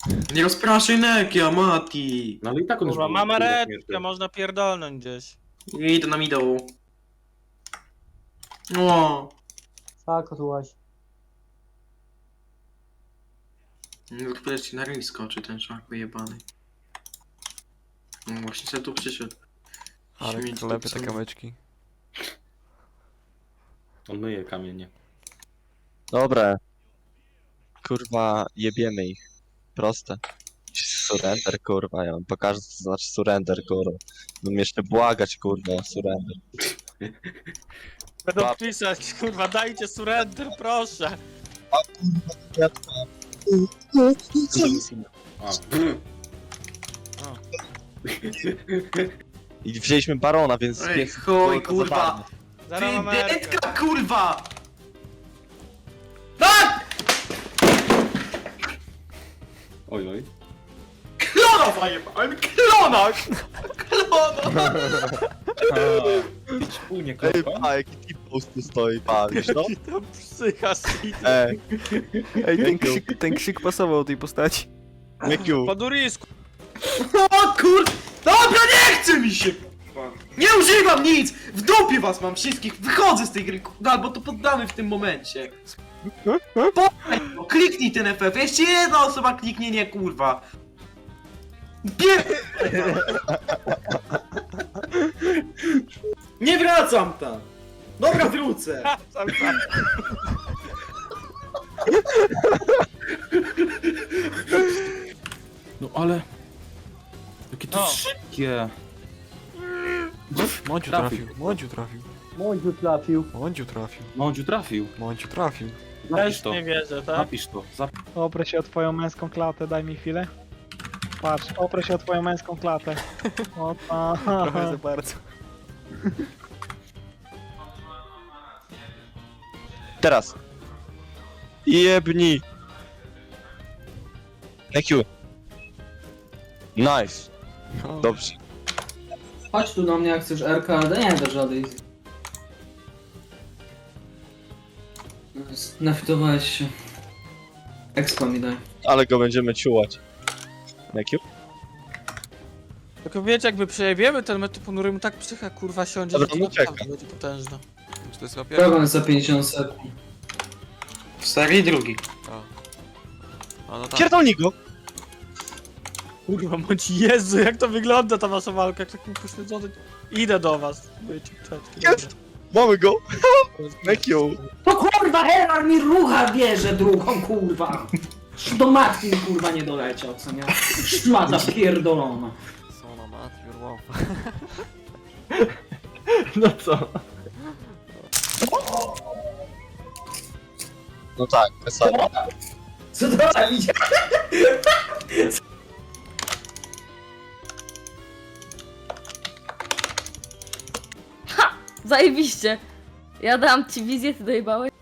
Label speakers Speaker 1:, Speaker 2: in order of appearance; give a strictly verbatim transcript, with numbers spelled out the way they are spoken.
Speaker 1: Nie rozpraszaj Nekia, Mati!
Speaker 2: No ale i tak on już
Speaker 3: Kurwa,
Speaker 2: był-
Speaker 3: mamy
Speaker 2: był
Speaker 3: redkę,
Speaker 2: śmiertelny.
Speaker 3: można pierdolnąć gdzieś.
Speaker 1: Idę na middle. O,
Speaker 4: Zakotłaś.
Speaker 1: no to ci na ryj skoczy ten szak wyjebany. No właśnie sobie tu przyszedł.
Speaker 5: Ale
Speaker 1: Śmieć
Speaker 5: klepie
Speaker 1: tu
Speaker 5: te
Speaker 1: są.
Speaker 5: kamyczki.
Speaker 2: On myje kamienie.
Speaker 6: Dobra. Kurwa, jebiemy ich. Proste. Surrender, kurwa, ja wam pokażę co znaczy surrender, kurwa. Będę jeszcze błagać, kurwa, o surrender.
Speaker 3: Będą
Speaker 6: Ba-
Speaker 3: pisać, kurwa, dajcie surrender, proszę.
Speaker 2: A.
Speaker 6: I wzięliśmy barona, więc
Speaker 1: Ej,
Speaker 6: niech
Speaker 1: chuj,
Speaker 6: było to
Speaker 1: kurwa!
Speaker 6: zabawne.
Speaker 3: Zaraz mamy
Speaker 1: Ty
Speaker 3: erkę.
Speaker 1: detka, kurwa! Tak!
Speaker 2: Oj, oj.
Speaker 1: Klona zajebałem! Klona! Klona!
Speaker 2: Wspólnie
Speaker 6: Ej,
Speaker 2: klopa.
Speaker 6: pa, jaki t-post tu stoi, pa, wiesz no?
Speaker 3: To psycha shit.
Speaker 6: Ej,
Speaker 5: Ej, ten krzyk, ten krzyk pasował tej postaci.
Speaker 6: Mikiu,
Speaker 3: Po durisku.
Speaker 1: O kur... Dobra, nie chce mi się! kurwa. Nie używam nic! W dupie was mam wszystkich! Wychodzę z tej gry, kurwa, albo to poddamy w tym momencie. Po... Kliknij ten F F, jeszcze jedna osoba kliknie, nie kurwa. Bier... Nie wracam tam! Dobra, wrócę!
Speaker 3: Sam, sam.
Speaker 2: No ale... Jakie to
Speaker 3: No.
Speaker 2: szybkie.
Speaker 5: Mądziu
Speaker 2: Trafił.
Speaker 5: trafił, Mądziu trafił,
Speaker 4: Mądziu trafił.
Speaker 5: Mądziu trafił,
Speaker 2: Mądziu trafił.
Speaker 5: Mądziu trafił.
Speaker 2: Napisz
Speaker 3: Też
Speaker 2: to.
Speaker 3: nie wierzę, tak?
Speaker 2: Napisz to. Zap...
Speaker 7: Oprę się o twoją męską klatę, daj mi chwilę. Patrz, oprę się o twoją męską klatę. O
Speaker 5: Trochę za
Speaker 7: tak.
Speaker 5: bardzo.
Speaker 6: teraz. Jebni. Mikiu. Nice,
Speaker 5: No.
Speaker 6: dobrze.
Speaker 8: Chodź tu do mnie jak chcesz R K, ale nie do żadnej. Nafitowałeś się. Expo mi daj.
Speaker 6: Ale go będziemy ciułać. Mikiu?
Speaker 3: Tylko wiecie, jakby przejebiemy ten mecz, to ponurym tak psycha kurwa siądzie,
Speaker 6: Dobra,
Speaker 3: że to
Speaker 6: no
Speaker 3: naprawdę
Speaker 6: czekam.
Speaker 3: będzie potężne.
Speaker 5: Czy to jest łapie?
Speaker 8: Program jest za pięćdziesiąt sekund.
Speaker 1: W serii drugi.
Speaker 5: A. A no tak.
Speaker 6: Pierdolnij go!
Speaker 3: Kurwa, bądź Jezu, jak to wygląda ta wasza walka, jak taki pośledzony. Idę do was. Bycie, czeczki.
Speaker 6: Jest! Mamy go! Mikiu!
Speaker 8: No kurwa, Herald mi rucha bierze drugą, kurwa! Do matki mi kurwa nie doleciał, co nie? Szmata pierdolona.
Speaker 5: Są na Matthew, wow.
Speaker 1: No co?
Speaker 6: No tak, wesoło.
Speaker 8: Co to tam idzie?
Speaker 9: Zajebiście. Ja dałam ci wizję, ty dojebałeś.